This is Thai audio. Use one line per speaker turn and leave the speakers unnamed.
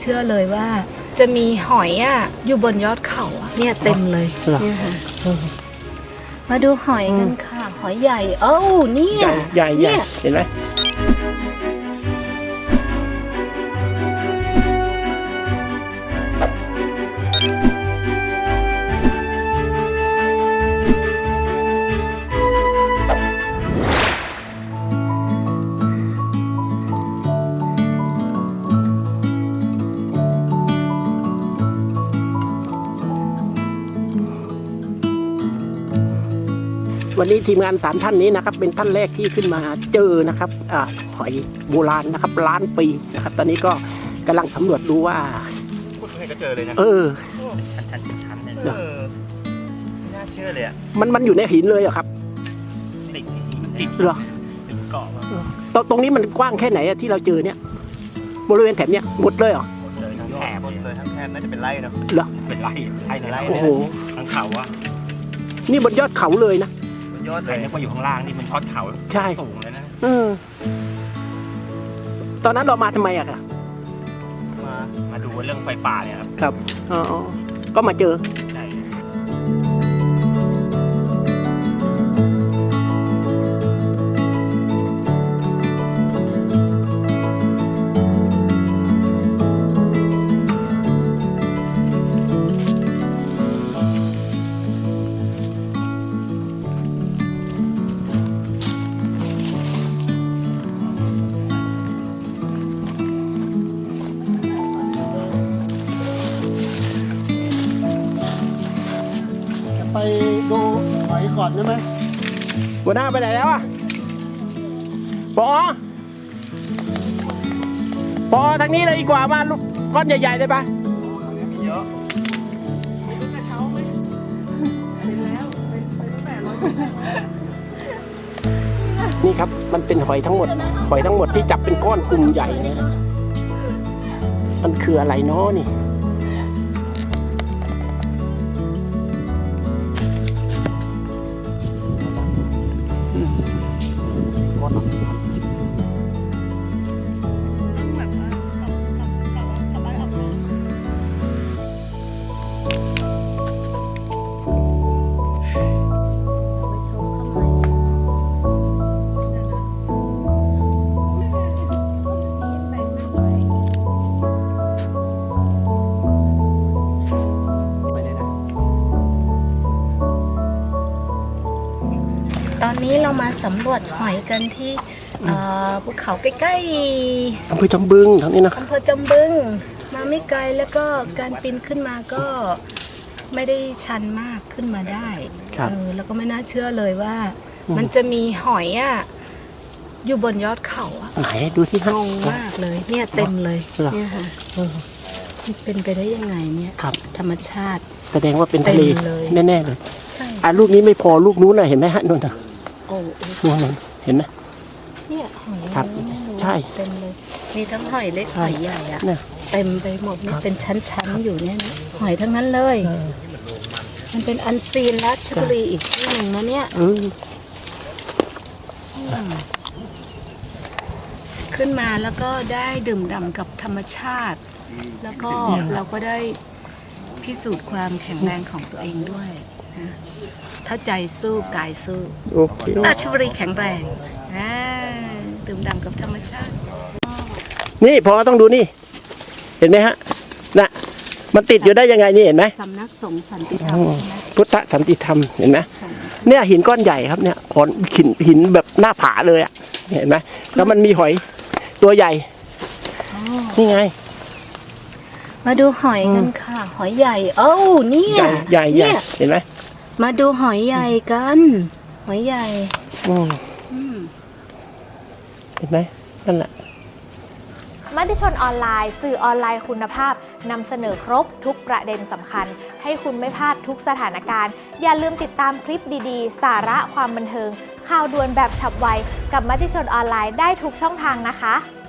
เชื่อเลยว่าจะมีหอยอ่ะอยู่บนยอดเขาอ่ะเนี่ยเต็มเลยเนี่ยค่ะมาดูหอยกันค่ะหอยใหญ่เอ้าเนี่ย
ใหญ่เห็นไหมวันนี้ทีมงาน3ท่านนี้นะครับเป็นท่านแรกที่ขึ้นมาเจอนะครับหอยโบราณนะครับล้านปีนะครับตอนนี้ก็กำลังสำรวจดูว่า
พูดยังไงก็เจอเลยนะชั้นเนี่ยไม่น่าเชื่อเลยอ่ะ
มันอยู่ในหินเลยเหรอครับ
ติด
เหรอ
เป็นเกาะ
ตรงนี้มันกว้างแค่ไหนที่เราเจอเนี่ยบริเวณแถบเนี้ยหมดเลยเหรอ
หมดเลยทั้งแถบเลยทั้งแถบน่าจะเป็นไร่เนาะ
เหรอ
เป็นไร่
โอ้โห
ทั้งเขาอ่ะ
นี่บนยอดเขาเลยนะ
ยอดเลยนึกว่าอยู่ข้างล่างนี่มันทอดเขา
ใช่
สูงเลยนะ
ตอนนั้นเรามาทำไมอะครับ
มาดูเรื่องไฟป่าเนี่ยครับ
ครับก็มาเจอ
ไปดูหอยก่อนได้ไหม
หัวหน้าไปไหนแล้วอ่ะปอทางนี้เลยดีกว่ามาลูกก้อนใหญ่ๆเลยปะ
มีเยอะ
นี่ครับมันเป็นหอยทั้งหมดที่จับเป็นก้อนกลุ่มใหญ่นะมันคืออะไรเนาะนี่
ตอนนี้เรามาสำรวจหอยกันที่ภูเขาใกล้ๆ
อำเภอจำบึงทางนี้นะ
อำเภอจำบึงมาไม่ไกลแล้วก็การปีนขึ้นมาก็ไม่ได้ชันมากขึ้นมาได้แล้วก็ไม่น่าเชื่อเลยว่ามันจะมีหอยอ่ะอยู่บนยอดเขาอ่ะ
ไหนดูที่
งงมากเลยเนี่ยเต็มเลยเนี่ยค่ะเป็นไปได้ยังไงเนี่ยธรรมชาติ
แสดงว่าเป็นทะเลแน่ๆเลย
ใช่
ลูกนี้ไม่พอลูกนู้นน่ะเห็นไหมฮะนู่นน่ะ
โอ้
นู่นเห็นไหม
เนี่ยหอย
ครับใช่
เต็มเลยมีทั้งหอยเล็กหอยใหญ่อะเต็มไปหมดนี่เป็นชั้นๆอยู่เนี่ยหอยทั้งนั้นเลยมันเป็นอันซีนราชบุรีอีกที่หนึ่งนะเนี่ยขึ้นมาแล้วก็ได้ดื่มด่ำกับธรรมชาติแล้วก็เราก็ได้พิสูจน์ความแข็งแรงของตัวเองด้วยนะถ้าใจสู้กายสู้ราชบุรีแข็งแรงดื่มด่ำกับธรรมชาติ
นี่พอต้องดูนี่เห็นไหมฮะน่ะมันติดอยู่ได้ยังไงนี่เห็นไหม
สำนักสงฆ์สันติธรรม
พุทธสันติธรรมเห็นไหมเนี่ยหินก้อนใหญ่ครับเนี่ยหินแบบหน้าผาเลยอ่ะเห็นไหมแล้วมันมีหอยตัวใหญ่นี่ไง
มาดูหอยกันค่ะหอยใหญ่เอ้าเนี่ย
ใหญ่เห็นไหม
มาดูหอยใหญ่กันหอยใหญ่
เห็นไหมนั่นแหละ
มติชนออนไลน์สื่อออนไลน์คุณภาพนำเสนอครบทุกประเด็นสำคัญให้คุณไม่พลาดทุกสถานการณ์อย่าลืมติดตามคลิปดีๆสาระความบันเทิงข่าวด่วนแบบฉับไวกับมติชนออนไลน์ได้ทุกช่องทางนะคะ